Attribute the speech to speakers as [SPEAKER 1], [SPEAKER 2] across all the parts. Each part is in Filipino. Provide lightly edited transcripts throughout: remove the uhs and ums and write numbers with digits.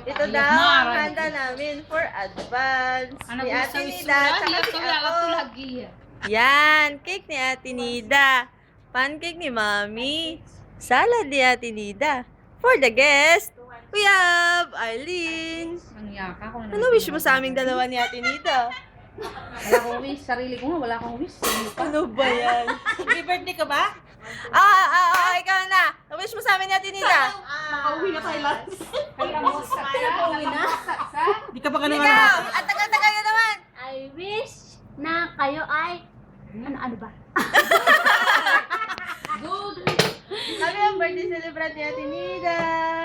[SPEAKER 1] Ito daw ang handa namin for advance. Ni Ate Nida, tsaka si ako. Yan, cake ni Ate Nida. Pancake ni Mami. Salad ni Ate Nida. For the guest, we have Arlene. Ano wish mo sa aming dalawa ni Ate Nida?
[SPEAKER 2] Wala akong wish. Sarili ko nga, wala akong wish.
[SPEAKER 1] Ano ba yan?
[SPEAKER 3] Happy birthday ka ba?
[SPEAKER 1] Ikaw na. Wish mo sa amin ni Ate Nida.
[SPEAKER 3] Makauwi na tayo lahat.
[SPEAKER 2] Pauwi na.
[SPEAKER 3] Di ka pa ka naman.
[SPEAKER 1] Ikaw, at tagal-tagal na naman.
[SPEAKER 4] I wish na kayo ay ano ba?
[SPEAKER 2] Good.
[SPEAKER 1] Happy ang birthday celebrant ni Ate Nida.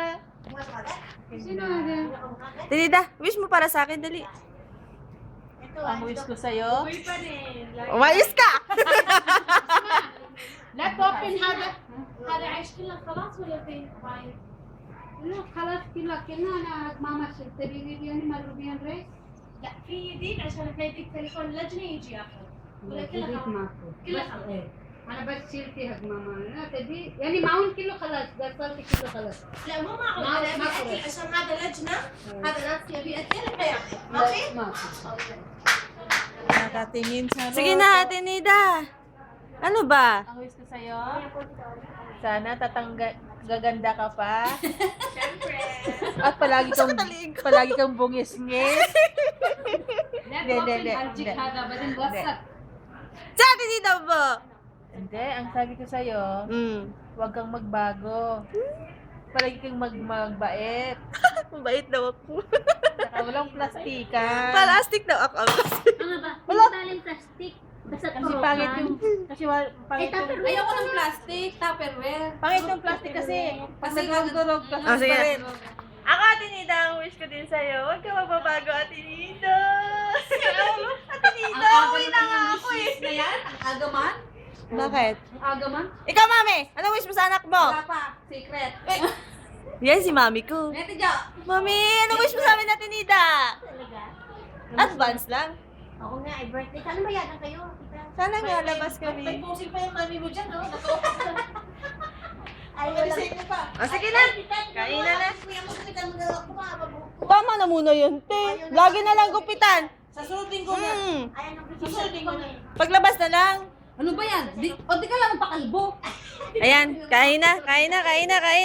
[SPEAKER 2] Sino nga?
[SPEAKER 1] Ate Nida, wish mo para sa akin, dali.
[SPEAKER 3] Ang wish ko sa'yo.
[SPEAKER 1] Umayos ka!
[SPEAKER 2] لا توبن هذا
[SPEAKER 4] هذا عيش كله خلاص ولا في باين؟
[SPEAKER 2] لا خلاص كلها كنا انا ماما تبي يعني مروبيان ريس
[SPEAKER 4] لا في جديد عشان احنا يديك تليفون لجنة يجي ياخذ ولا كله خلاص؟
[SPEAKER 2] ماكو
[SPEAKER 4] كله خلاص
[SPEAKER 2] انا بس شلتي حق ماما لا تبي يعني معون كله خلاص قصرتي كله خلاص
[SPEAKER 4] لا مو معقول
[SPEAKER 2] ما-
[SPEAKER 4] انا
[SPEAKER 2] ما
[SPEAKER 4] ابي اكل
[SPEAKER 2] خلاص.
[SPEAKER 4] عشان هذا لجنة هذا ناس يبي اكل فياخذ ماشي؟
[SPEAKER 2] ماكو
[SPEAKER 3] Nakatingin sa
[SPEAKER 1] Sige na, Ate Nida. Ano ba?
[SPEAKER 3] Ang wish ko sa'yo, sana gaganda ka pa. At palagi kang bungis-ngis.
[SPEAKER 2] لا
[SPEAKER 3] لا، لا،
[SPEAKER 2] توبن
[SPEAKER 3] لا،
[SPEAKER 2] حجك
[SPEAKER 3] لا.
[SPEAKER 2] هذا بعدين وسط
[SPEAKER 1] Sa Ate Nida po.
[SPEAKER 3] Hindi, ang sabi ko sa'yo, huwag kang magbago. Palagi kang magbait.
[SPEAKER 1] Mabait daw ako.
[SPEAKER 3] Saka walang plastikan.
[SPEAKER 1] Plastic daw ako.
[SPEAKER 4] Ano ba? Wala taling plastic. Basta
[SPEAKER 3] Kasi pangit yung, pangit yung,
[SPEAKER 4] Tupperware.
[SPEAKER 2] ayoko ng plastic tupperware
[SPEAKER 3] pangit yung plastic kasi. Pag nagdurog,
[SPEAKER 1] Ah, sige.
[SPEAKER 3] transparent.
[SPEAKER 1] Ako, Ate Nida, ang wish ko din sa'yo. Huwag ka magbabago, Ate Nida. Ate Nida, uwi na nga ako eh.
[SPEAKER 2] na yan ang agaman
[SPEAKER 1] Bakit?
[SPEAKER 2] ang agaman
[SPEAKER 1] Ikaw, Mami, anong wish mo sa anak mo?
[SPEAKER 2] wala pa secret
[SPEAKER 1] Yan si Mami ko.
[SPEAKER 2] Neto Jo
[SPEAKER 1] Mami, anong wish mo sa amin, Ate Nida?
[SPEAKER 4] Talaga?
[SPEAKER 1] Advance lang.
[SPEAKER 4] Oo nga, ay birthday. Sana mayagan kayo.
[SPEAKER 1] Sana nga labas kami.
[SPEAKER 3] Pusing pa yung mami mo dyan, no?
[SPEAKER 4] Ay, wala.
[SPEAKER 1] Sige na. Kain na na.
[SPEAKER 4] Kuya mo, kita mo na ako. Mababuko.
[SPEAKER 1] Tama na muna yun, te. Lagi na lang gupitan.
[SPEAKER 3] Sa sunod linggo na.
[SPEAKER 4] Ayan ang
[SPEAKER 3] Susunod linggo na.
[SPEAKER 1] Paglabas na lang.
[SPEAKER 2] ano ba yan di ka lang pakalbo
[SPEAKER 1] Ayan, kain na, kain na, kain na, kain.